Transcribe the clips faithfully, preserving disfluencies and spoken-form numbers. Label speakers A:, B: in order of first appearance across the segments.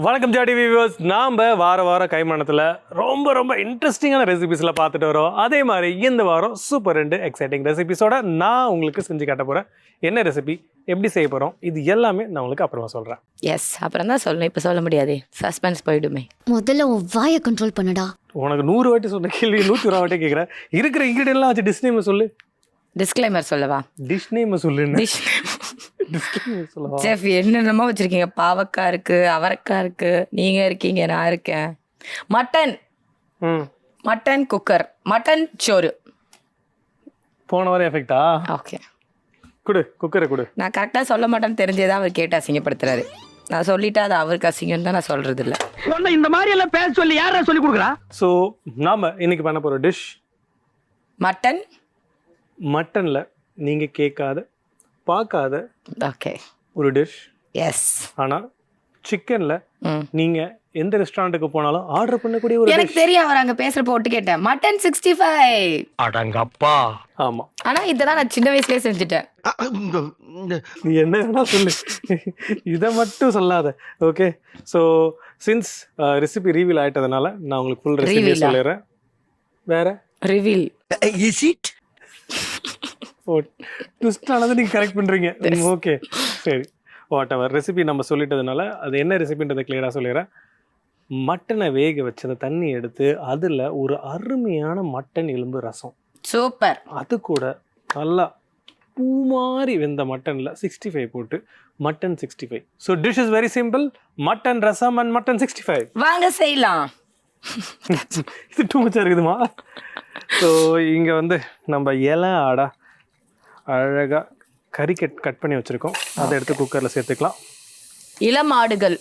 A: வணக்கம் ஜாடி வியூவர்ஸ். நாம் வார வாரம் கைமானத்தில் ரொம்ப ரொம்ப இன்ட்ரெஸ்டிங்கான ரெசிபிஸில் பார்த்துட்டு வரோம். அதே மாதிரி இந்த வாரம் சூப்பர் ரெண்டு எக்ஸைட்டிங் ரெசிபிஸோட நான் உங்களுக்கு செஞ்சு காட்ட போகிறேன். என்ன ரெசிபி, எப்படி செய்ய போகிறோம், இது எல்லாமே நான் உங்களுக்கு அப்புறமா சொல்கிறேன்.
B: எஸ், அப்புறம் தான் சொல்லணும், இப்போ சொல்ல முடியாது, சஸ்பென்ஸ் போயிடுமே.
C: முதல்ல உன் வாயை கண்ட்ரோல் பண்ணுடா.
A: உனக்கு நூறு வாட்டி சொன்ன கேள்வி நூற்றி ஒரு வாட்டி கேட்குறேன். இருக்கிற இன்க்ரீடியன்ட்லாம் வச்சு டிஷ் நேம் சொல்லு.
B: டிஸ்க்ளைமர் சொல்லவா?
A: டிஷ் நேம் சொல்லு.
B: டிஷ் செஃப் என்னென்னமோ வச்சிருக்கீங்க. பாவக்காய் இருக்கு, அவரைக்காய் இருக்கு, நீங்க இருக்கீங்க, நான் இருக்கேன். மட்டன் மட்டன் குக்கர், மட்டன் சோறு.
A: போன வாரம் எஃபெக்டா?
B: ஓகே,
A: குடு குக்கரை குடு.
B: நான் கரெக்டாக சொல்ல மாட்டேன்னு தெரிஞ்சேதான் அவர் கேட்டு அசிங்கப்படுத்துறாரு. நான் சொல்லிட்டா அது அவருக்கு அசிங்கம் தான், நான் சொல்றது இல்லை.
D: இந்த மாதிரி எல்லாம் பேச சொல்லி யாரா சொல்லி கொடுக்குறா?
A: ஸோ நாம இன்னைக்கு பண்ண போகிற டிஷ்
B: மட்டன்.
A: மட்டனில் நீங்கள் கேட்காத பார்க்காத
B: ஓகே
A: ஒரு டிஷ்.
B: எஸ்.
A: ஆனால் சிக்கனில் நீங்கள் எந்த ரெஸ்டாரண்ட்டுக்கு போனாலும் ஆர்டர் பண்ணக்கூடிய ஒரு
B: எனக்கு தெரியும், அவர் அங்கே பேசுகிற போட்டு கேட்டேன். Mutton sixty five.
D: அடங்கப்பா.
A: ஆமாம்,
B: ஆனால் இதெல்லாம் நான் சின்ன வயசுலேயே செஞ்சுட்டேன்.
A: நீ என்ன வேணா சொல்லு, இதை மட்டும் சொல்லாத. Okay, so since recipe reveal ஆகிட்டதுனால நான் உங்களுக்கு ஃபுல் ரெசிபி சொல்லிடுறேன். வேற
B: reveal
D: is it?
A: Oh, twist ஆனது நீங்கள் கரெக்ட் பண்ணுறீங்க. ஓகே சரி, வாட் எவர். ரெசிபி நம்ம சொல்லிட்டதுனால அது என்ன ரெசிபின்றதை கிளியராக சொல்லிடுறேன். மட்டனை வேக வச்சு அந்த தண்ணி எடுத்து அதில் ஒரு அருமையான மட்டன் எலும்பு ரசம்.
B: சூப்பர்.
A: அது கூட நல்லா பூ மாதிரி வெந்த மட்டனில் சிக்ஸ்டி ஃபைவ் போட்டு mutton sixty five. So dish is very simple, mutton rasam and mutton sixty five.
B: வாங்க செய்யலாம்.
A: இது டூ மச்சா இருக்குதுமா. ஸோ இங்கே வந்து நம்ம இலை ஆடா அழகாக கறி கட் கட் பண்ணி வச்சுருக்கோம். அதை எடுத்து குக்கரில் சேர்த்துக்கலாம்.
B: இளம் ஆடுகள்.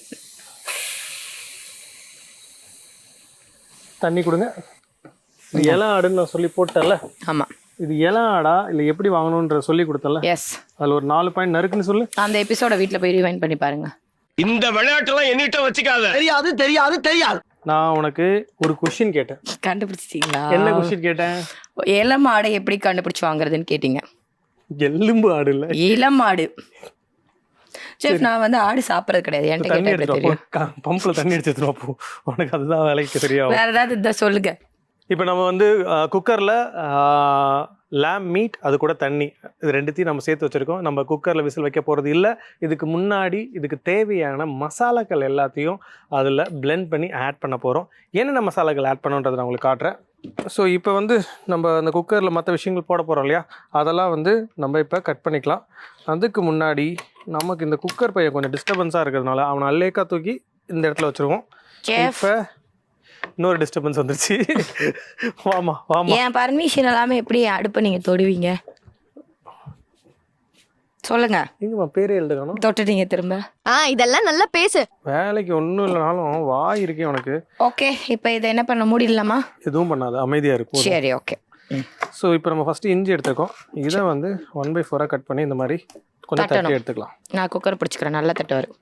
A: தண்ணி கொடுங்க. இது இலை ஆடுன்னு நான் சொல்லி போட்டேன்ல.
B: ஆமாம்,
A: இது இலை ஆடா இல்லை எப்படி வாங்கணுன்ற சொல்லி கொடுத்தல.
B: எஸ்.
A: அதில் ஒரு நாலு பாயிண்ட் நறுக்குன்னு சொல்லு.
B: அந்த எபிசோட வீட்டில் போய் ரிவைண்ட் பண்ணி பாருங்க.
D: இந்த விளையாட்டுலாம் என்னிட்ட வச்சுக்காத. தெரியாது தெரியாது தெரியாது.
A: நான் உனக்கு ஒரு கொஸ்டின் கேட்டேன்.
B: கண்டுபிடிச்சிட்டீங்களா?
A: என்ன கொஸ்டின் கேட்டேன்?
B: இளம் ஆடை எப்படி கண்டுபிடிச்சு வாங்குறதுன்னு கேட்டீங்க.
A: எலும்பு ஆடு இல்லை,
B: இளம் ஆடு. செஃப், நான் வந்து ஆடு சாப்பிட்றது கிடையாது. என்கிட்ட
A: தண்ணி
B: கேட்டா
A: எடுத்துருவோம்.
B: தெரியும்.
A: பம்பில் தண்ணி எடுத்துருவோம். அப்போ உனக்கு அதுதான் வேலைக்கு தெரியும்.
B: வேற ஏதாவது இதை சொல்லுங்க.
A: இப்போ நம்ம வந்து குக்கரில் லேம் மீட் அது கூட தண்ணி இது ரெண்டுத்தையும் நம்ம சேர்த்து வச்சுருக்கோம். நம்ம குக்கரில் விசில் வைக்க போகிறது இல்லை. இதுக்கு முன்னாடி இதுக்கு தேவையான மசாலாக்கள் எல்லாத்தையும் அதில் பிளெண்ட் பண்ணி ஆட் பண்ண போகிறோம். என்னென்ன மசாலாக்கள் ஆட் பண்ணுன்றதை நான் உங்களுக்கு காட்டுறேன். ஸோ இப்போ வந்து நம்ம அந்த குக்கரில் மற்ற விஷயங்கள் போட போகிறோம் இல்லையா, அதெல்லாம் வந்து நம்ம இப்போ கட் பண்ணிக்கலாம். அதுக்கு முன்னாடி நமக்கு இந்த குக்கர் பையன் கொஞ்சம் டிஸ்டர்பன்ஸாக இருக்கிறதுனால அவனை அல்லேக்கா தூக்கி இந்த இடத்துல வச்சுருவோம். இப்போ இன்னொரு டிஸ்டர்பன்ஸ் வந்துருச்சு. வாமா வாமா.
B: என் பர்மிஷன் இல்லாமல் எப்படி அடுப்பை நீங்கள் தொடுவீங்க சொல்லுங்க.
A: எங்கம்மா பேரே எழுதுக்கணும்.
B: தொட்டுட்டீங்க திரும்ப.
C: ஆ இதெல்லாம் நல்லா பேசு.
A: வேலைக்கு ஒன்றும் இல்லைனாலும் வாய் இருக்கே உனக்கு.
B: ஓகே, இப்போ இதை என்ன பண்ண முடியலாமா?
A: எதுவும் பண்ணாது, அமைதியாக இருக்கும்.
B: சரி, ஓகே.
A: ஸோ இப்போ நம்ம ஃபஸ்ட்டு இஞ்சி எடுத்துக்கோம். இதை வந்து ஒன் பை ஃபோராக கட் பண்ணி இந்த மாதிரி கொஞ்சம் தட்டி எடுத்துக்கலாம்.
B: நான் குக்கர் பிடிச்சிக்கிறேன், நல்லா தட்டு வரும்.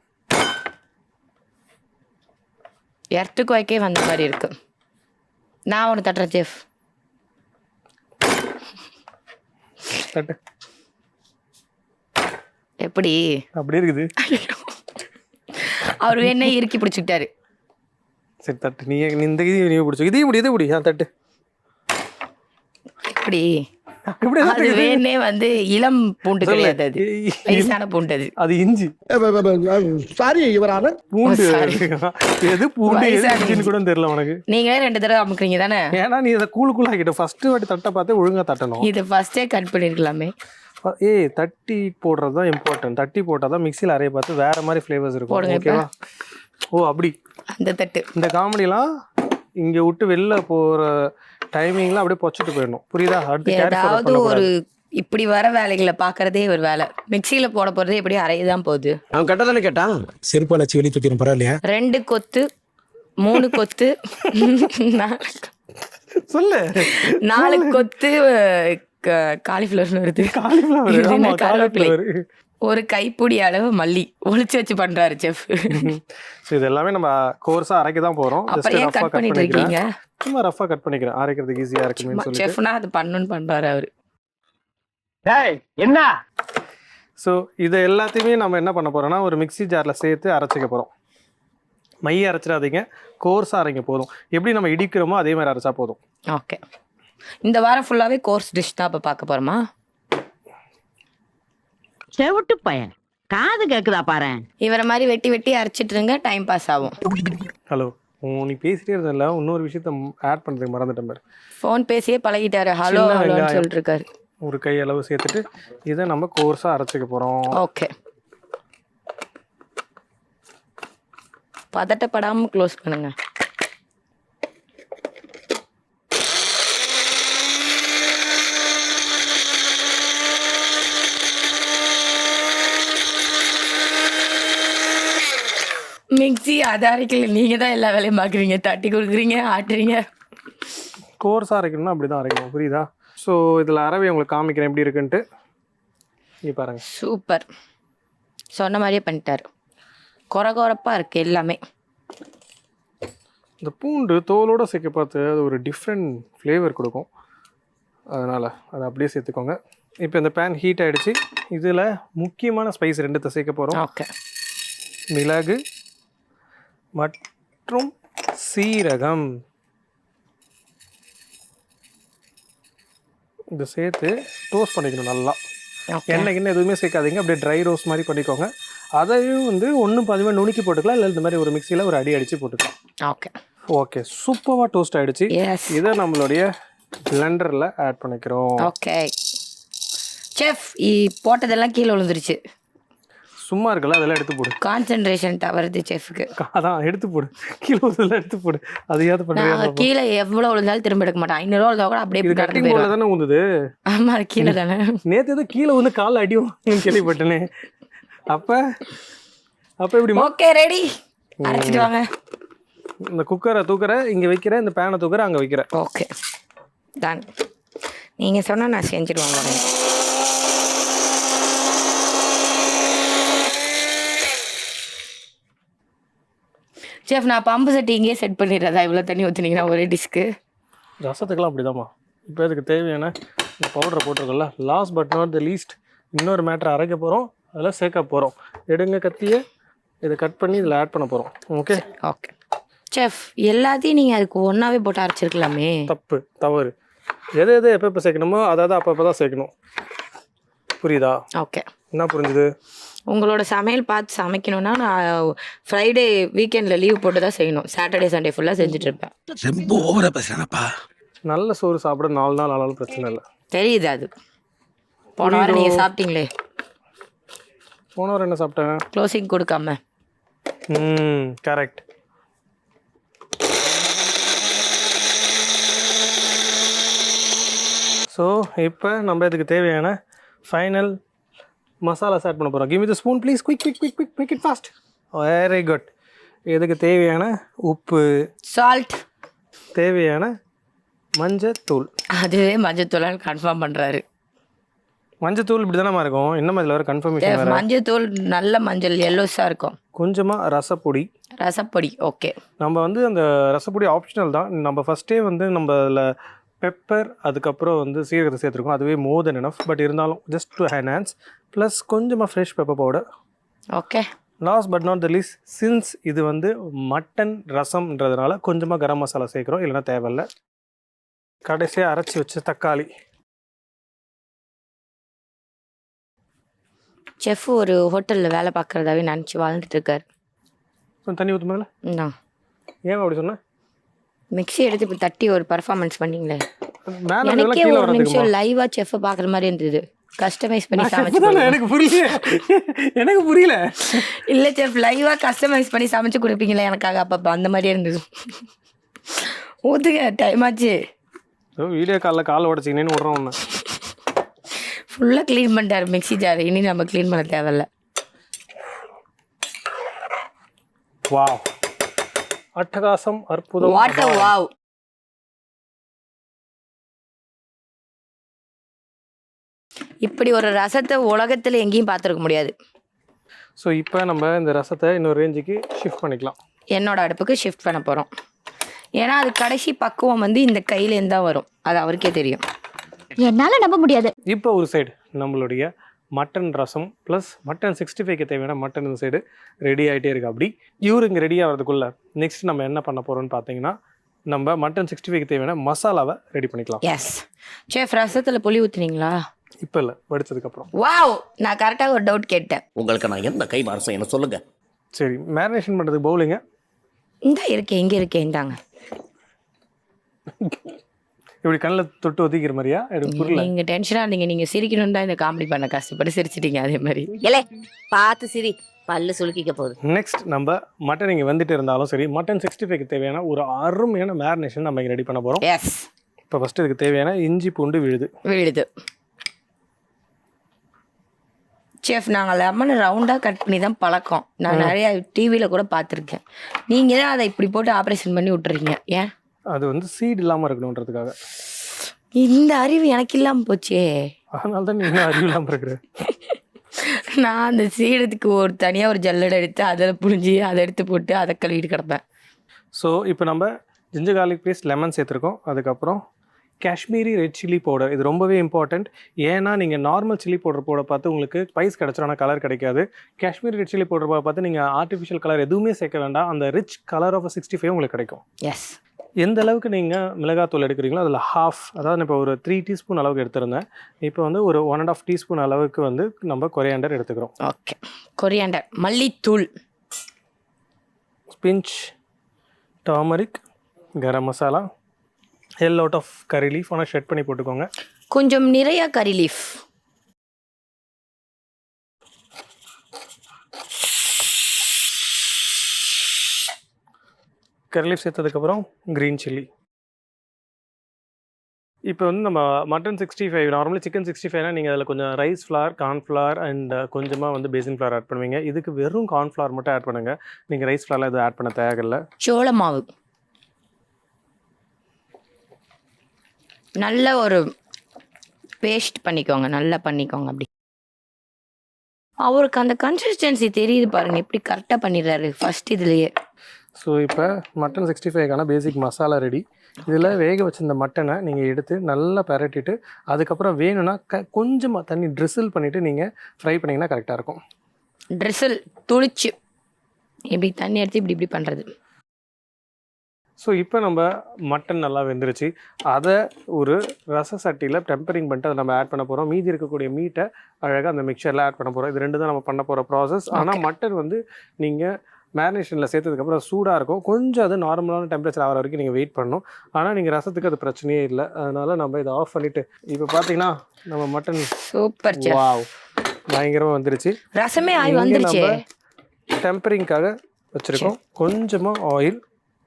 B: எர்த்துக்கு வைக்கே வந்த மாதிரி இருக்கு. நான் ஒன்று தட்டுறேன் செஃப்.
A: தட்டு.
B: எப்படி
A: அப்படி இருக்குது.
B: அவர் வேணே இறுக்கி பிடிச்சிக்கிட்டாரு.
A: சரி தட்டு. நீ இந்த இதையும் நீ பிடிச்சோ. இதையும் முடி இதை முடி. ஆ தட்டு.
B: எப்படி அது வேணே வந்து இளம் பூண்டு கிடையாது, அது வயசான பூண்டு. அது
A: அது இஞ்சி.
D: சாரி யுவரான.
A: பூண்டு எது பூண்டு எதுன்னு கூட தெரியல உனக்கு.
B: நீங்களே ரெண்டு தடவை அமுக்குறீங்க தானே.
A: ஏன்னா நீ இதை கூழு கூழாக்கிட்ட ஃபர்ஸ்ட் வாட்டி தட்டை பார்த்து ஒழுங்கா தட்டணும்.
B: இது ஃபர்ஸ்டே கட் பண்ணிருக்கலாமே.
A: ஏய், தட்டி போடுறது தான் இம்பார்ட்டன்ட். தட்டி போட்டால் தான் மிக்சியில் அரைய பார்த்து வேற மாதிரி ஃப்ளேவர்ஸ் இருக்கும். ஓகேவா? ஓ அப்படி.
B: அந்த தட்டு
A: இந்த காமெடிலாம் இங்கே விட்டு வெளில போகிற டைமிங்லாம் அப்படியே பொச்சிட்டு போயிடணும். புரியுதா?
B: ஏதாவது ஒரு இப்படி வர வேலைகளை பார்க்கறதே ஒரு வேலை. மிக்சியில் போட போகிறதே எப்படி அரையதான் போகுது.
D: அவன் கட்ட தானே கேட்டான்.
E: செருப்பாலாச்சு வெளியே தூக்கிடும், பரவாயில்லையா?
B: ரெண்டு கொத்து, மூணு கொத்து,
A: சொல்லு.
B: நாலு கொத்து காலிஃப்ளவர்னு வருது.
A: காலிஃப்ளவர்.
B: ஒரு கைப்பிடி அளவு மல்லி ஒளிச்சு வச்சு பண்றாரு செஃப்.
A: ஸோ இது எல்லாமே நம்ம கோர்ஸாக அரைக்க தான் போகிறோம்.
B: அப்படியே கட் பண்ணிட்டு இருக்கீங்க.
A: சும்மா ரஃபாக கட் பண்ணிக்கிறேன், அரைக்கிறதுக்கு ஈஸியாக இருக்குன்னு சொல்லி.
B: செஃப்னா அது பண்ணணும்னு பண்றாரு அவரு.
D: என்ன?
A: ஸோ இதை எல்லாத்தையுமே நம்ம என்ன பண்ண போறோம்னா ஒரு மிக்சி ஜாரில் சேர்த்து அரைச்சிக்க போகிறோம். மைய அரைச்சிடாதீங்க, கோர்ஸாக அரைங்க போதும். எப்படி நம்ம இடிக்கிறோமோ அதே மாதிரி அரைச்சா போதும்.
B: ஓகே, இந்த வாரம் ஃபுல்லாகவே கோர்ஸ் டிஷ் தான் இப்போ பார்க்க போகிறோமா?
F: செவிட்டு பையன் காது கேக்குதா பாரு.
B: இவரை மாதிரி வெட்டி வெட்டி அரைச்சிட்டு இருங்க, டைம் பாஸ் ஆகும்.
A: ஹலோ, நீ பேசிட்டே இருந்தல, இன்னொரு விஷயத்த ஆட் பண்ணுறதுக்கு மறந்துட்டேன் பாரு.
B: ஃபோன் பேசியே பழகிட்டாரு. ஹலோ
A: சின்ன
B: ஹலோன்னு
A: வெங்காயம்.
B: சொல்லிட்டு இருக்காரு.
A: ஒரு கை அளவு சேர்த்துட்டு இதை நம்ம கோர்ஸாக அரைச்சிக்க போகிறோம்.
B: ஓகே, பதட்டப்படாமல் க்ளோஸ் பண்ணுங்க. மிக்ஸி அது அரைக்கல, நீங்கள் தான் எல்லா வேலையும் பார்க்குறீங்க, தட்டி கொடுக்குறீங்க, ஆட்டுறீங்க.
A: கோர்ஸாக அரைக்கணும்னா அப்படி தான் அரைக்கணும், புரியுதா? ஸோ இதில் அரவை உங்களுக்கு காமிக்கிறேன் எப்படி இருக்குன்ட்டு. இங்கே பாருங்கள்.
B: சூப்பர், சொன்ன மாதிரியே பண்ணிட்டாரு. கொர கொரப்பாக இருக்குது எல்லாமே.
A: இந்த பூண்டு தோலோடு சேர்க்க பார்த்து அது ஒரு டிஃப்ரெண்ட் ஃப்ளேவர் கொடுக்கும், அதனால் அதை அப்படியே சேர்த்துக்கோங்க. இப்போ இந்த பேன் ஹீட் ஆகிடுச்சு. இதில் முக்கியமான ஸ்பைஸ் ரெண்டுத்தை சேர்க்க போகிறோம்.
B: ஓகே,
A: மிளகு மற்றும் சீரகம். இதை சேர்த்து டோஸ்ட் பண்ணிக்கணும் நல்லா. எண்ணெய் கிண்ணெய் எதுவுமே சேர்க்காதீங்க, அப்படியே ட்ரை ரோஸ்ட் மாதிரி பண்ணிக்கோங்க. அதையும் வந்து ஒன்றும் பதிவாக நுணுக்கி போட்டுக்கலாம், இல்லை இந்த மாதிரி ஒரு மிக்சியில் ஒரு அடி அடித்து போட்டுக்கலாம்.
B: ஓகே
A: ஓகே, சூப்பராக டோஸ்ட் ஆகிடுச்சு. இதை நம்மளுடைய பிளெண்டரில் ஆட் பண்ணிக்கிறோம்.
B: ஓகே செஃப், போட்டதெல்லாம் கீழே விழுந்துருச்சு.
A: சும்மா இருக்கல, அதெல்லாம் எடுத்து போடு.
B: கான்சென்ட்ரேஷன் தவறுது செஃப்க்கு.
A: அதான் எடுத்து போடு, கீழே இதெல்லாம் எடுத்து போடு. அதையாவது பண்ணுறேன்.
B: கீழே எவ்வளோ விழுந்தாலும் திரும்ப எடுக்க மாட்டேன். ஐநூறுவா விழுந்தா கூட அப்படியே
A: கட்டிங் போர்டில் தானே ஊந்துது.
B: ஆமா, அது கீழே தானே.
A: நேற்று எதுவும் கீழே வந்து கால் அடியும் கேள்விப்பட்டேனே. அப்போ அப்போ எப்படி?
B: ஓகே, ரெடி, அரைச்சிட்டு வாங்க.
A: இந்த குக்கரை தூக்குற இங்கே வைக்கிற, இந்த பேனை தூக்குற அங்கே வைக்கிற.
B: Okay done. நீங்கள் சொன்னால் நான் செஞ்சுடுவாங்க. செஃப், நான் பம்பு செட்டு இங்கேயே செட் பண்ணிடுறதா? இவ்வளோ தண்ணி ஊற்றுனீங்கன்னா ஒரே டிஷ்க்கு.
A: ரசத்துக்கெல்லாம் அப்படிதாம்மா. இப்போ அதுக்கு தேவையான இந்த பவுடரை போட்டிருக்கோம்ல. Last but not the least இன்னொரு மேட்டரை அரைக்க போகிறோம், அதில் சேர்க்க போகிறோம். எடுங்க கத்தியை, இதை கட் பண்ணி இதில் ஆட் பண்ண போகிறோம். ஓகே
B: ஓகே செஃப், எல்லாத்தையும் நீங்கள் அதுக்கு ஒன்றாவே போட்டு அரைச்சிருக்கலாமே.
A: தப்பு, தவறு. எது எது எப்போ எப்போ சேர்க்கணுமோ அதாவது அப்போ அப்போ தான் சேர்க்கணும், புரியுதா?
B: ஓகே,
A: என்ன புரிஞ்சுது?
B: உங்களோட சமையல் பார்த்து சமைக்கணும்னா நான் ஃப்ரைடே வீக்கெண்டில் லீவ் போட்டு தான் செய்யணும். சாட்டர்டே சண்டே ஃபுல்லாக செஞ்சுட்டு இருப்பேன்.
E: ரொம்ப ஓவரா பேசுறானப்பா.
A: நல்ல சோறு சாப்பிட நாலு நாள் ஆனாலும் பிரச்சனை இல்லை.
B: தெரியுது அது. போன வாரம் நீங்கள் சாப்பிட்டீங்களே.
A: போன வாரம் என்ன சாப்பிட்டேன்?
B: க்ளோசிங் கொடுக்காம.
A: ம், கரெக்ட். ஸோ இப்போ நம்ம இதுக்கு தேவையான ஃபைனல் மசாலாஸ் ஆட் பண்ண போகிறோம். Give me the spoon please. Quick quick quick quick make it fast. Very good. இதுக்கு தேவையான உப்பு,
B: சால்ட்,
A: தேவையான மஞ்சத்தூள்.
B: அதுவே மஞ்சத்தூளால் கன்ஃபார்ம் பண்ணுறாரு.
A: மஞ்சத்தூள் இப்படி தானே இருக்கும், இன்னும் அதில் வேறு கன்ஃபர்மேஷன் வேறு.
B: மஞ்சத்தூள் நல்ல மஞ்சள் எல்லோஸாக இருக்கும்.
A: கொஞ்சமாக ரசப்பொடி.
B: ரசப்பொடி ஓகே.
A: நம்ம வந்து அந்த ரசப்பொடி ஆப்ஷனல் தான். நம்ம ஃபஸ்ட்டே வந்து நம்ம அதில் பெப்பர் அதுக்கப்புறம் வந்து சீரகத்தை சேர்த்துருக்கோம், அதுவே மோர் தென் எனஃப். பட் இருந்தாலும் ஜஸ்ட் டு என்ஹான்ஸ். ப்ளஸ் கொஞ்சமாக fresh pepper powder.
B: Okay.
A: Last but not the least, since இது வந்து மட்டன் ரசம்ன்றதுனால கொஞ்சமாக கரம் மசாலா சேர்க்குறோம், இல்லைனா தேவையில்லை. கடைசியாக அரைச்சி வச்ச தக்காளி.
B: செஃப் ஒரு ஹோட்டலில் வேலை பார்க்குறதாவே நினச்சி வாழ்ந்துட்டு இருக்காரு.
A: கொஞ்சம் தண்ணி ஊற்று மேலே.
B: தான்
A: ஏன் அப்படி சொன்னேன்?
B: மிக்ஸி எடுத்து இப்போ தட்டி ஒரு பர்ஃபார்மன்ஸ் பண்ணீங்களே,
A: மேலே
B: எனக்கே ஒரு நிமிஷம் லைவாக செஃப்பை பார்க்குற மாதிரி இருந்தது. கஸ்டமைஸ் பண்ணி சமைச்சு.
A: எனக்கு புரியல, எனக்கு புரியல.
B: இல்லை செஃப், லைவாக கஸ்டமைஸ் பண்ணி சமைச்சு கொடுப்பீங்களே எனக்காக அப்பப்போ, அந்த மாதிரியே இருந்தது. ஊற்றுங்க, டைம் ஆச்சு.
A: வீடியோ காலில் காலை உடச்சிங்கன்னு விட்றோம் ஒன்று.
B: ஃபுல்லாக க்ளீன் பண்ணிட்டார் மிக்ஸி ஜார், இனி நம்ம க்ளீன் பண்ண தேவையில்ல.
A: வாவ், அட்டகாசம், அற்புதம்.
B: What a wow. இப்படி ஒரு ரசத்தை உலகத்தில் எங்கேயும் பார்த்துருக்க முடியாது.
A: ஸோ இப்போ நம்ம இந்த ரசத்தை இன்னொரு ரேஞ்சுக்கு ஷிஃப்ட் பண்ணிக்கலாம்.
B: என்னோட அடுப்புக்கு ஷிஃப்ட் பண்ண போகிறோம். ஏன்னா அது கடைசி பக்குவம் வந்து இந்த கையிலேருந்து தான் வரும், அது அவருக்கே தெரியும்.
C: என்னால நம்ப முடியாது.
A: இப்போ ஒரு சைடு நம்மளுடைய mutton rasam plus mutton sixty ஃபைவ்க்கு தேவையான மட்டன் இந்த சைடு ரெடி ஆகிட்டே இருக்குது. அப்படி இவரு இங்கே ரெடி ஆகிறதுக்குள்ளே நெக்ஸ்ட் நம்ம என்ன பண்ண போகிறோம்னு பார்த்தீங்கன்னா நம்ம மட்டன் சிக்ஸ்டி ஃபைவ்க்கு தேவையான மசாலாவை ரெடி பண்ணிக்கலாம்.
B: எஸ் செஃப், ரசத்தில் புளி ஊற்றுனீங்களா?
A: இப்போ இல்லை, வடிச்சதுக்கப்புறம்.
B: வாவ், நான் கரெக்டாக ஒரு டவுட் கேட்டேன்.
D: உங்களுக்கு நான் எந்த கை மாசம் என்ன சொல்லுங்க.
A: சரி, மேரினேஷன் பண்ணுறதுக்கு பவுலிங்க
B: இந்த இருக்கேன், இங்கே இருக்கேன், இந்தாங்க.
A: இப்படி கண்ணில் தொட்டு ஒத்திக்கிற மாதிரியா? எனக்கு புரியல.
B: நீங்கள் டென்ஷனாக இருந்தீங்க, நீங்கள் சிரிக்கணும்னு தான் இந்த காமெடி பண்ண கஷ்டப்பட்டு சிரிச்சிட்டீங்க. அதே மாதிரி
F: இல்ல பார்த்து சிரி, பல்லு சுளுக்கிக்க போகுது.
A: நெக்ஸ்ட் நம்ம மட்டன் இங்கே வந்துட்டு இருந்தாலும் சரி, மட்டன் சிக்ஸ்டி ஃபைவ்க்கு தேவையான ஒரு அருமையான மேரினேஷன் நம்ம இங்கே ரெடி பண்ண போகிறோம்.
B: எஸ்.
A: இப்போ ஃபஸ்ட்டு இதுக்கு தேவையான இஞ்சி பூண்டு விழுது
B: விழுது செஃப், நாங்கள் லெமன் ரவுண்டாக கட் பண்ணி தான் பழக்கம். நான் நிறைய டிவியில் கூட பார்த்துருக்கேன். நீங்கள் தான் அதை இப்படி போட்டு ஆப்ரேஷன் பண்ணி விட்டுறீங்க. ஏன்?
A: அது வந்து சீடு இல்லாமல் இருக்கணுன்றதுக்காக.
B: இந்த அறிவு எனக்கு இல்லாமல் போச்சே.
A: அதனால தான் நீ அறிவு இல்லாமல் இருக்கிற.
B: நான் அந்த சீடத்துக்கு ஒரு தனியாக ஒரு ஜல்லடை எடுத்து அதில் புழிஞ்சி அதை எடுத்து போட்டு அதை கழுவிட்டு கிடப்பேன்.
A: ஸோ இப்போ நம்ம ஜிஞ்சர் கார்லிக் பேஸ்ட், லெமன் சேர்த்துருக்கோம். அதுக்கப்புறம் காஷ்மீரி ரெட் சில்லி பவுடர். இது ரொம்பவே இம்பார்ட்டண்ட். ஏன்னா நீங்கள் நார்மல் சில்லி பவுடர் போட பார்த்து உங்களுக்கு ஸ்பைஸ் கிடச்சிரும், ஆனால் கலர் கிடைக்காது. காஷ்மீரி ரெட் சில்லி பவுடர் பார்த்து நீங்கள் ஆர்டிஃபிஷியல் கலர் எதுவுமே சேர்க்க வேண்டாம். அந்த rich colour of sixty five உங்களுக்கு கிடைக்கும்.
B: எஸ்.
A: எந்த அளவுக்கு நீங்கள் மிளகாத்தூள் எடுக்கிறீங்களோ அதில் ஹாஃப், அதாவது இப்போ ஒரு த்ரீ டீஸ்பூன் அளவுக்கு எடுத்திருந்தேன். இப்போ வந்து ஒரு ஒன் அண்ட் ஆஃப் டீஸ்பூன் அளவுக்கு வந்து நம்ம கொரியாண்டர் எடுத்துக்கிறோம்.
B: ஓகே, கொரியாண்டர், மல்லித்தூள்,
A: pinch turmeric, garam masala, all out of curry leaf ஆனால் ஷெட் பண்ணி போட்டுக்கோங்க.
B: கொஞ்சம் நிறைய கறி லீஃப்.
A: கறி லீஃப் சேர்த்ததுக்கப்புறம் க்ரீன் சில்லி. இப்போ வந்து நம்ம mutton sixty five, normally chicken sixty ஃபைவ்னா நீங்கள் அதில் கொஞ்சம் ரைஸ் ஃப்ளார், கார்ன்ஃப்ளவர் அண்ட் கொஞ்சமாக வந்து பேசின் ஃப்ளார் ஆட் பண்ணுவீங்க. இதுக்கு வெறும் கார்ன்ஃப்ளவர் மட்டும் ஆட் பண்ணுங்கள். நீங்கள் ரைஸ் ஃப்ளாரில் எதுவும் ஆட் பண்ண தேவையில்லை.
B: சோள மாவு நல்ல ஒரு பேஸ்ட் பண்ணிக்கோங்க, நல்லா பண்ணிக்கோங்க. அப்படி அவருக்கு அந்த கன்சிஸ்டன்சி தெரியுது பாருங்க, எப்படி கரெக்டாக பண்ணிடுறாரு ஃபர்ஸ்ட் இதுலேயே.
A: ஸோ இப்போ மட்டன் சிக்ஸ்டி ஃபைவ்க்கான பேசிக் மசாலா ரெடி. இதில் வேக வச்சிருந்த மட்டனை நீங்கள் எடுத்து நல்லா பரட்டிட்டு அதுக்கப்புறம் வேணும்னா க கொஞ்சமாக தண்ணி ட்ரிசில் பண்ணிவிட்டு நீங்கள் ஃப்ரை பண்ணிங்கன்னா கரெக்டாக இருக்கும்.
B: ட்ரிசில் துளிச்சு இப்படி தண்ணி எடுத்து இப்படி இப்படி பண்ணுறது.
A: ஸோ இப்போ நம்ம மட்டன் நல்லா வெந்துருச்சு. அதை ஒரு ரச சட்டியில் டெம்பரிங் பண்ணிட்டு அதை நம்ம ஆட் பண்ண போகிறோம். மீதி இருக்கக்கூடிய மீட்டை அழகாக அந்த மிக்சரில் ஆட் பண்ண போகிறோம். இது ரெண்டு தான் நம்ம பண்ண போகிற ப்ராசஸ். ஆனால் மட்டன் வந்து நீங்கள் மேரினேஷனில் சேர்த்ததுக்கப்புறம் சூடாக இருக்கும். கொஞ்சம் அது நார்மலான டெம்பரேச்சர் ஆகிற வரைக்கும் நீங்கள் வெயிட் பண்ணணும். ஆனால் நீங்கள் ரசத்துக்கு அது பிரச்சனையே இல்லை. அதனால் நம்ம இதை ஆஃப் பண்ணிவிட்டு இப்போ பார்த்தீங்கன்னா நம்ம மட்டன்
B: சூப்பர்
A: வாவ் பயங்கரமாக வந்துருச்சு.
B: ரசமே ஆகி வந்துருச்சு.
A: நம்ம டெம்பரிங்காக வச்சுருக்கோம் கொஞ்சமாக ஆயில்.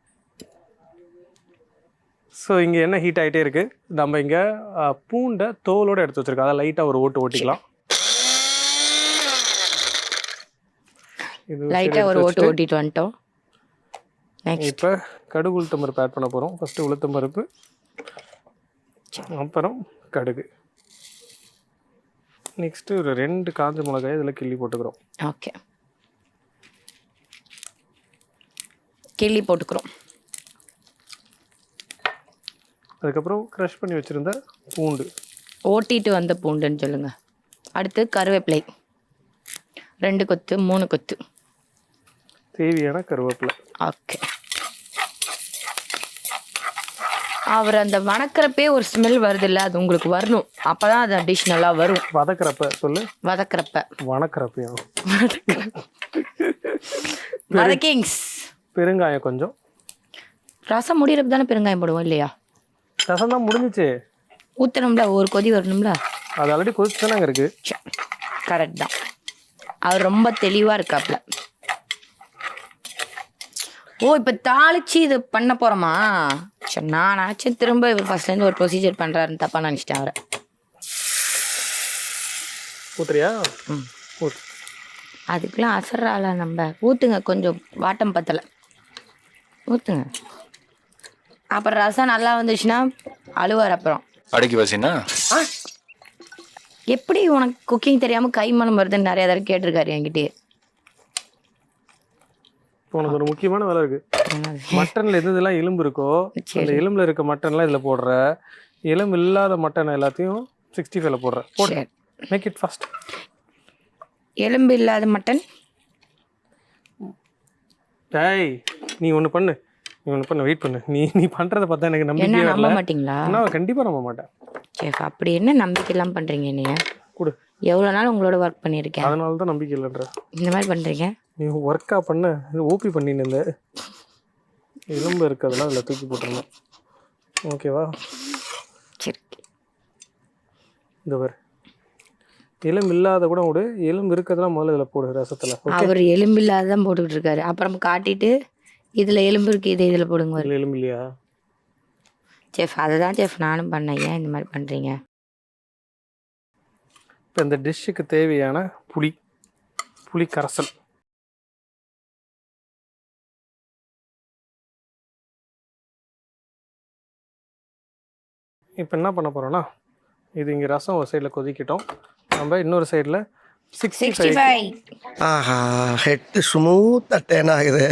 A: ஸோ இங்கே என்ன ஹீட் ஆகிட்டே இருக்குது. நம்ம இங்கே பூண்டை தோலோடு எடுத்து வச்சுருக்கோம். அதை லைட்டாக ஒரு ஓட்டு ஓட்டிக்கலாம். இது
B: லைட்டாக ஒரு ஓட்டு ஓட்டிட்டு வந்துட்டோம்.
A: இப்போ கடுகு உளுத்தம் பருப்பு ஆட் பண்ண போகிறோம். ஃபஸ்ட்டு உளுத்தம் பருப்பு, அப்புறம் கடுகு, நெக்ஸ்ட்டு ஒரு ரெண்டு காஞ்ச மிளகாய் இதில் கிள்ளி போட்டுக்கிறோம்.
B: ஓகே, கிள்ளி போட்டுக்கிறோம்.
A: அதுக்கப்புறம் க்ரஷ் பண்ணி வச்சுருந்த பூண்டு,
B: ஓட்டிட்டு வந்த பூண்டுன்னு சொல்லுங்கள். அடுத்து கருவேப்பிலை, ரெண்டு கொத்து மூணு கொத்து
A: தேவையான கருவேப்பிலை.
B: ஓகே, அவர் அந்த வணக்கிறப்பே ஒரு ஸ்மெல் வருது இல்லை, அது உங்களுக்கு வரணும். அப்போ தான் அது டிஷ் நல்லா வரும்.
A: வதக்கிறப்ப சொல்லு.
B: வதக்கிறப்ப
A: வணக்கிறப்பையும்
B: வதக்கிங்ஸ்.
A: பெருங்காயம் கொஞ்சம்.
B: ரசம் முடிகிறப்ப தானே பெருங்காயம் போடுவோம் இல்லையா?
A: ரசம் தான் முடிஞ்சிச்சு,
B: ஊற்றணும்ல, ஒரு கொதி வரணும்ல.
A: அது ஆல்ரெடி கொதிச்சு தானே இருக்கு.
B: கரெக்ட் தான். அவர் ரொம்ப தெளிவாக இருக்காப்ல. ஓ, இப்போ தாளிச்சு இது பண்ண போகிறோமா? சரி, நான் நினச்சேன் திரும்ப இவர் ஃபர்ஸ்ட்லேருந்து ஒரு ப்ரொசீஜர் பண்ணுறாருன்னு தப்பாக நினச்சிட்டேன் அவரை.
A: ஊத்துறியா?
B: ம்,
A: ஊத்து.
B: அதுக்கெலாம் அசர்றால நம்ம. ஊற்றுங்க, கொஞ்சம் வாட்டம் பத்தலை, ஊற்றுங்க. அப்புறம் ரசம் நல்லா வந்துச்சுன்னா அழுவார். அப்புறம்
G: அடக்கி வச்சினா
B: எப்படி உனக்கு குக்கிங் தெரியாமல் கை மனம் வருதுன்னு நிறைய தடவை கேட்டிருக்காரு என்கிட்டயே.
A: உனக்கு ஒரு முக்கியமான வேலை இருக்கு. மட்டன்ல எது இதெல்லாம் எலும்பு இருக்கோ அந்த எலும்புல இருக்க மட்டன்லாம் இதுல போடுற, எலும்பு இல்லாத மட்டன் எல்லாத்தையும் சிக்ஸ்டி ஃபைவ்ல போடுற.
B: சரி,
A: மேக் இட் ஃபாஸ்ட்.
B: எலும்பு இல்லாத மட்டன்.
A: டேய் நீ ஒன்று பண்ணு, நீ ஒன்று பண்ணு, வெயிட் பண்ணு. நீ நீ பண்ணுறதை பார்த்தா எனக்கு
B: என்ன
A: நம்பிக்கை
B: நம்ப
A: வரல.
B: மாட்டீங்களா?
A: நான் கண்டிப்பாக நம்ப மாட்டேன்.
B: செஃப் அப்படி என்ன நம்பிக்கை இல்லாமல் பண்ணுறீங்க நீங்கள்?
A: கொடு.
B: எவ்வளோ நாள் உங்களோட ஒர்க் பண்ணியிருக்கேன்,
A: அதனால தான் நம்பிக்கை இல்லைன்ற.
B: இந்த மாதிரி பண்ணுறீங்க.
A: நீ ஒர்க்காக பண்ண ஓபி பண்ணின்னு இருந்த எலும்பு இருக்கிறதுலாம் அதில் தூக்கி போட்டுருந்தேன். ஓகேவா?
B: சரி
A: இந்த பாரு, எலும்பு இல்லாத கூட விடு, எலும்பு இருக்கிறதுலாம் முதல்ல இதில் போடு ரசத்தில்.
B: அவர் எலும்பு இல்லாத தான் போட்டுக்கிட்டு இருக்காரு. அப்புறம் காட்டிட்டு இதில் எலும்பு இருக்குது, இதை இதில் போடுங்க.
A: இதில் எலும்பு இல்லையா?
B: செஃப் அதை தான் செஃப் நானும் பண்ணேன். ஏன் இந்த மாதிரி பண்ணுறீங்க?
A: இப்போ இந்த டிஷ்ஷுக்கு தேவையான புளி, புளி கரைசல். இப்போ என்ன பண்ண போகிறோன்னா, இது இங்கே ரசம் ஒரு சைடில் கொதிக்கிட்டோம். நம்ம இன்னொரு சைடில் சிக்ஸ்டி
B: சிக்ஸ்டி
A: ஃபைவ்
B: ஃபைவ்
E: ஆஹா ஹெட் ஸ்மூத் அட்டேன் ஆகுது.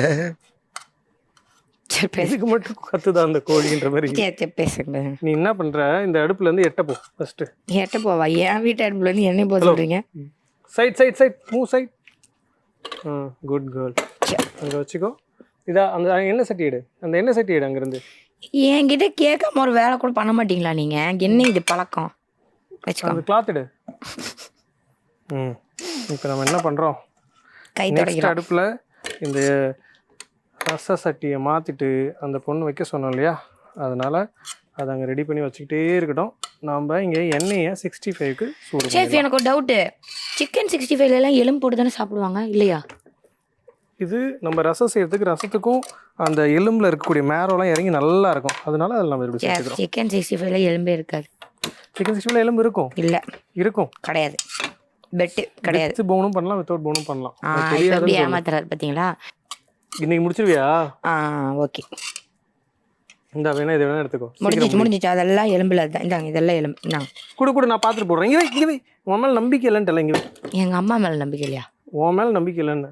B: சரி பேச
A: இதுக்கு மட்டும் கத்துதான் அந்த கோழின்ற மாதிரி.
B: சரி பேசுங்க.
A: நீ என்ன பண்ணுற, இந்த அடுப்புலேருந்து எட்ட போ ஃபஸ்ட்டு.
B: எட்ட போவா? என் வீட்டு அடுப்புலேருந்து என்ன போக சொல்கிறீங்க?
A: Side side side move side. Hmm good girl. அங்கே வச்சுக்கோ. இதா அந்த எண்ணெய் சட்டி எடு, அந்த எண்ணெய் சட்டி எடு அங்கேருந்து.
B: என்கிட்ட கேட்காம ஒரு வேலை கூட பண்ண மாட்டீங்களா நீங்கள்? என்ன இது பழக்கம்? வச்சுக்கோ.
A: அந்த கிளாத் எடு. ம் இப்போ நம்ம என்ன பண்ணுறோம்,
B: கை
A: நெக்ஸ்ட்
B: தொடக்கிறோம்.
A: அடுப்பில் இந்த ரச சட்டியை மாற்றிட்டு அந்த பொண்ணு வைக்க சொன்னோம் இல்லையா, அதனால் அதை அங்கே ரெடி பண்ணி வச்சுக்கிட்டே இருக்கட்டும். நம்ம இங்கே எண்ணெயை சிக்ஸ்டி ஃபைவ்க்கு சூடு.
B: செஃப் எனக்கு ஒரு டவுட்டு, சிக்கன் சிக்ஸ்டி ஃபைவ்லாம் எலும்பு போட்டு தானே சாப்பிடுவாங்க இல்லையா?
A: இது நம்ம ரசம் செய்யறதுக்கு ரசத்துக்கும் அந்த எலும்பில் இருக்கக்கூடிய மேரோலாம் இறங்கி நல்லா இருக்கும், அதனால அதில் நம்ம இப்படி சேர்த்துக்கிறோம்.
B: சிக்கன் சிக்ஸ்டி ஃபைவ்ல எலும்பே இருக்காது.
A: சிக்கன் சிக்ஸ்டி ஃபைவ்ல எலும்பு இருக்கும்
B: இல்லை
A: இருக்கும்
B: கிடையாது. பெட்டு கிடையாது.
A: வித் போனும் பண்ணலாம், வித்தவுட் போனும் பண்ணலாம்.
B: ஆ
A: அது
B: இப்போ எப்படி
A: தெரியாதுன்னு சொல்லு.
B: ஏமாத்துறாரு பார்த்தீங்களா?
A: இன்னைக்கு முடிச்சிருவியா?
B: ஆ ஓகே
A: இந்த வேணா இதை வேணா எடுத்துக்கோ.
B: முடிஞ்சிச்சு முடிஞ்சிச்சு. அதெல்லாம் எலும்புல தான். இந்தாங்க இதெல்லாம் எலும்பு. இந்தாங்க
A: கூட கூட நான் பார்த்துட்டு போடுறேன். இங்கே வை இங்கே வை. உன் மேலே நம்பிக்கை இல்லைன்னு தெரியல. இங்கே வை.
B: எங்கள் அம்மா மேலே நம்பிக்கை இல்லையா?
A: உன் மேலே நம்பிக்கை இல்லைன்னு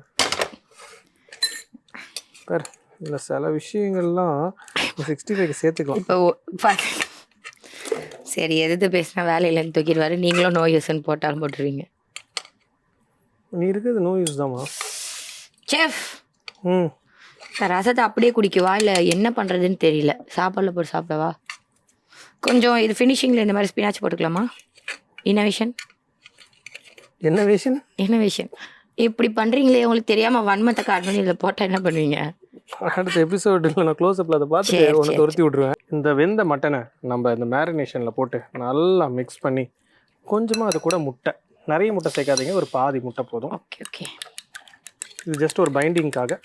A: பார். இல்லை சில விஷயங்கள்லாம் சிக்ஸ்டி ஃபைவ்க்கு சேர்த்துக்கலாம்.
B: இப்போ பார்த்து சரி எதிர்த்து பேசினா வேலையிலன்னு தூக்கிடுவாரு. நீங்களும் நோ யூஸ்ன்னு போட்டாலும் போட்டுருவீங்க.
A: நீ இருக்கிறது நோ யூஸ் தாம்மா.
B: செஃப்
A: ம்
B: ரசத்தை அப்படியே குடிக்கவா இல்லை என்ன பண்ணுறதுன்னு தெரியல. சாப்பாடில் போட்டு சாப்பிடவா? கொஞ்சம் இது ஃபினிஷிங்கில் இந்த மாதிரி ஸ்பினாச் போட்டுக்கலாமா? இன்னோவேஷன்
A: என்ன விஷயம்?
B: இன்னோவேஷன் இப்படி பண்ணுறீங்களே, உங்களுக்கு தெரியாமல் வன்மத்தை காட்டணும். இதில் போட்டால் என்ன பண்ணுவீங்க?
A: அடுத்த எபிசோடில் நான் க்ளோஸ் அப்பில் அதை பார்த்துட்டு
B: சரி,
A: உனக்கு
B: சரி,
A: துரத்தி விட்ருவேன். இந்த வெந்த மட்டனை நம்ம இந்த மேரினேஷனில் போட்டு நல்லா மிக்ஸ் பண்ணி கொஞ்சமாக அது கூட முட்டை, நிறைய முட்டை சேர்க்காதீங்க, ஒரு பாதி முட்டை போதும்.
B: ஓகே ஓகே
A: இது ஜஸ்ட் ஒரு பைண்டிங்காக.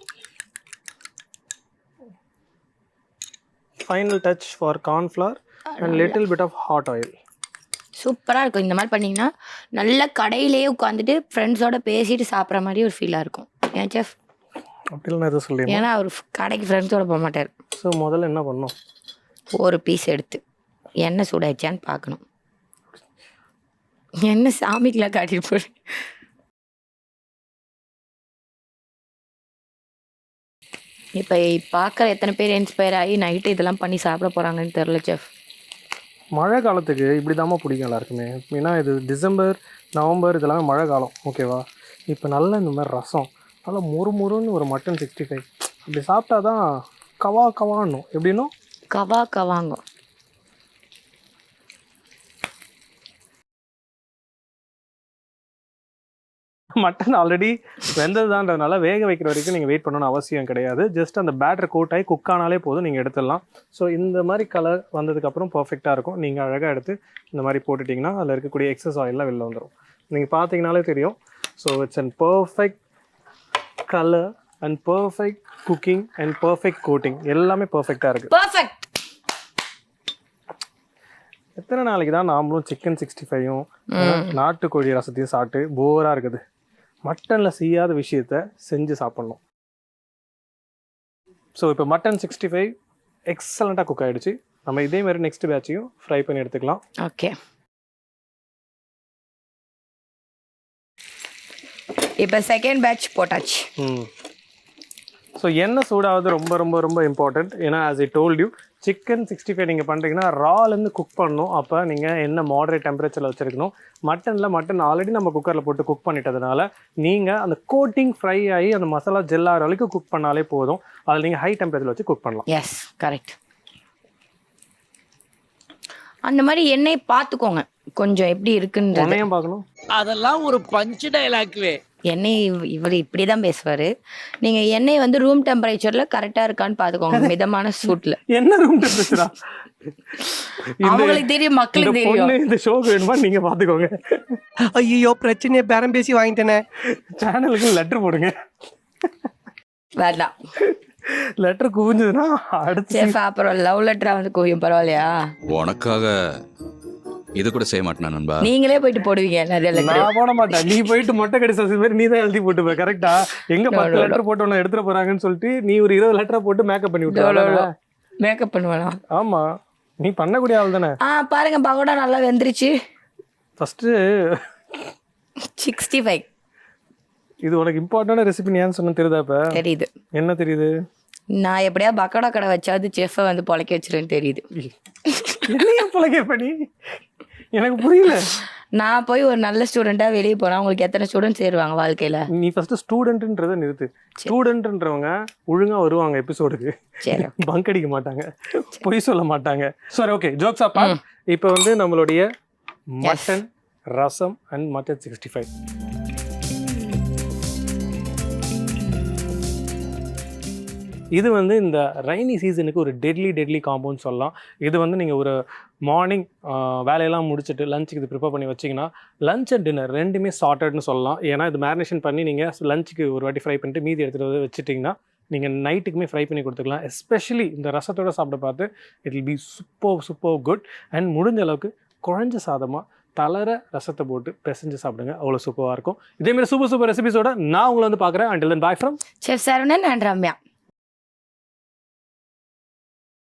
A: Final touch for cornflour and little bit of hot oil.
B: சூப்பராக இருக்கும். இந்த மாதிரி பண்ணிங்கன்னா நல்லா கடையிலேயே உட்காந்துட்டு ஃப்ரெண்ட்ஸோட பேசிட்டு சாப்பிட்ற மாதிரி ஒரு ஃபீலாக இருக்கும். ஏன் செஃப்?
A: அப்படிலாம் எதுவும் சொல்லிடுறேன்.
B: ஏன்னா அவர் கடைக்கு ஃப்ரெண்ட்ஸோட போக மாட்டார்.
A: ஸோ முதல்ல என்ன பண்ணோம்,
B: ஒரு பீஸ் எடுத்து எண்ணெய் சூடாச்சான்னு பார்க்கணும். என்ன சாமிக்கெலாம் காட்டிட்டு போய் இப்போ பார்க்குற எத்தனை பேர் இன்ஸ்பயர் ஆகி நைட்டு இதெல்லாம் பண்ணி சாப்பிட போகிறாங்கன்னு தெரில செஃப்.
A: மழை காலத்துக்கு இப்படி தாம்மா பிடிக்கும் எல்லாருக்குமே. ஏன்னா இது டிசம்பர் நவம்பர் இதெல்லாம் மழை காலம், ஓகேவா? இப்போ நல்லா இந்த மாதிரி ரசம் நல்லா மொறு மொறுன்னு ஒரு மட்டன் சிக்ஸ்டி ஃபைவ் அப்படி சாப்பிட்டா தான் கவா கவான்னும். எப்படின்னும்
B: கவா கவாங்க.
A: மட்டன் ஆல்ரெடி வெந்ததுதான்றதுனால வேக வைக்கிற வரைக்கும் நீங்கள் வெயிட் பண்ணணும்னு அவசியம் கிடையாது. ஜஸ்ட் அந்த பேட்டர் கோட் ஆகி குக் ஆனாலே போதும், நீங்கள் எடுத்துடலாம். ஸோ இந்த மாதிரி கலர் வந்ததுக்கப்புறம் பர்ஃபெக்டாக இருக்கும். நீங்கள் அழகாக எடுத்து இந்த மாதிரி போட்டுட்டிங்கன்னா அதில் இருக்கக்கூடிய எக்ஸஸ் ஆயிலெலாம் வெளில வந்துடும். நீங்கள் பார்த்தீங்கனாலே தெரியும். So it's and perfect colour and perfect cooking and perfect coating எல்லாமே பர்ஃபெக்டாக இருக்குது.
B: பர்ஃபெக்ட்.
A: எத்தனை நாளைக்கு தான் நாமளும் சிக்கன் சிக்ஸ்டி ஃபைவும் நாட்டுக்கோழி ரசத்தையும் சாப்பிட்டு போராக இருக்குது. மட்டனில் செய்யாத விஷயத்த செஞ்சு சாப்பிட்ணும். ஸோ இப்போ மட்டன் சிக்ஸ்டி ஃபைவ் எக்ஸலண்ட்டாக குக் ஆகிடுச்சு. நம்ம இதே மாதிரி நெக்ஸ்ட் பேட்சையும் ஃப்ரை பண்ணி எடுத்துக்கலாம்.
B: ஓகே இப்போ செகண்ட் பேட்ச் போட்டாச்சு.
A: ம் ஸோ எண்ணெய் சூடாவது ரொம்ப ரொம்ப ரொம்ப இம்பார்ட்டண்ட். ஏன்னா as I told you chicken sixty five நீங்கள் பண்ணுறீங்கன்னா ராலேருந்து குக் பண்ணணும். அப்போ நீங்கள் என்ன மாடரேட் டெம்பரேச்சரில் வச்சுருக்கணும். மட்டனில் மட்டன் ஆல்ரெடி நம்ம குக்கரில் போட்டு குக் பண்ணிட்டதுனால நீங்கள் அந்த கோட்டிங் ஃப்ரை ஆகி அந்த மசாலா ஜெல்லாகிற வரைக்கும் குக் பண்ணாலே போதும். அதில் நீங்கள் ஹை டெம்பரேச்சரில் வச்சு குக் பண்ணலாம்.
B: Yes correct. அந்த மாதிரி எண்ணெய் பார்த்துக்கோங்க கொஞ்சம் எப்படி இருக்குன்னு.
A: எண்ணெயும் பார்க்கணும்.
D: அதெல்லாம் ஒரு பஞ்ச் டயலாக்வே.
B: எண்ணெய் இவ- இவர் இப்படி தான் பேசுவார். நீங்கள் எண்ணெய் வந்து ரூம் டெம்பரேச்சரில் கரெக்டாக இருக்கான்னு பார்த்துக்கோங்க, மிதமான சூட்டில்.
A: என்ன ரூம் டெம்பரேச்சரா?
B: அவங்களுக்கு தெரியும், மக்களுக்கு தெரியும்.
A: இந்த ஷோக்கு வேணுமா நீங்க பாத்துக்கோங்க.
E: ஐயோ பிரச்சனையை பேரம் பேசி வாங்கிட்டேனே.
A: சேனலுக்கு லெட்டர் போடுங்க.
B: வேண்டாம்.
A: லெட்டர் குவிஞ்சதுன்னா அடுத்து
B: சேஃப் அப்புறம் லவ் லெட்டரா வந்து குவியும், பரவாயில்லையா?
G: உனக்காக இது கூட செய்ய மாட்டேனா நண்பா?
B: நீங்களே போயிட்டு போடுவீங்க நிறைய லெட்டர்.
A: நான் போட மாட்டேன். நீ போயிட்டு மொட்டை கடி சசி மாதிரி நீ தான் எழுதி போட்டுப்ப. கரெக்டா? எங்க பத்து லெட்டர் போட்டு உன்னை எடுத்துட போறாங்கன்னு சொல்லிட்டு நீ ஒரு இருபது லெட்டரை போட்டு மேக்கப் பண்ணி விட்டு.
B: மேக்கப் பண்ணுவேனா?
A: ஆமா, நீ பண்ணக்கூடிய ஆள் தானே.
B: ஆ பாருங்க, பகோடா நல்லா வெந்துருச்சு.
A: ஃபர்ஸ்ட்
B: சிக்ஸ்டி ஃபைவ்
A: இது உனக்கு இம்பார்ட்டன்டான ரெசிபி ஏன்னு சொன்ன தெரியுதாப்ப?
B: தெரியுது.
A: என்ன தெரியுது?
B: நான் எப்படியா பக்கோடா கடை வச்சாவது செஃப்பை வந்து பொழைக்க வச்சிருன்னு தெரியுது.
A: என்னையா பழக பண்ணி எனக்கு புரியல.
B: நான் போய் ஒரு நல்ல ஸ்டூடெண்ட்டாக வெளியே போனால் உங்களுக்கு எத்தனை ஸ்டூடெண்ட்ஸ் சேருவாங்க வாழ்க்கையில்?
A: நீ ஃபர்ஸ்ட் ஸ்டூடெண்ட்ன்றதை நிறுத்து. ஸ்டூடெண்ட்ன்றவங்க ஒழுங்கா வருவாங்க எபிசோடுக்கு,
B: சரி.
A: பங்க் அடிக்க மாட்டாங்க, பொய் சொல்ல மாட்டாங்க. சரி, ஓகே, ஜோக்ஸ் அப்பா. இப்போ வந்து நம்மளுடைய mutton rasam and mutton sixty five. இது வந்து இந்த ரைனி சீசனுக்கு ஒரு டெட்லி டெட்லி காம்பவுண்ட் சொல்லலாம். இது வந்து நீங்கள் ஒரு மார்னிங் வேலையெல்லாம் முடிச்சுட்டு லஞ்சுக்கு இது ப்ரிப்பேர் பண்ணி வச்சிங்கன்னா லஞ்ச் அண்ட் டின்னர் ரெண்டுமே சார்ட்டட்னு சொல்லலாம். ஏன்னா இது மேரினேஷன் பண்ணி நீங்கள் லஞ்சுக்கு ஒரு வாட்டி ஃப்ரை பண்ணிட்டு மீதி எடுத்துகிட்டு வந்து வச்சுட்டிங்கன்னா நீங்கள் நைட்டுக்குமே ஃப்ரை பண்ணி கொடுத்துக்கலாம். எஸ்பெஷலி இந்த ரசத்தோடு சாப்பிட பார்த்து it will be super super good. And முடிஞ்ச அளவுக்கு குழஞ்ச சாதமாக தளர ரசத்தை போட்டு பிசைஞ்சு சாப்பிடுங்க, அவ்வளோ சூப்பராக இருக்கும். இதேமாதிரி சூப்பர் சூப்பர் ரெசிபிஸோட நான் உங்களை வந்து பார்க்குறேன். Until then bye from
B: chef Saravanan and Ramya.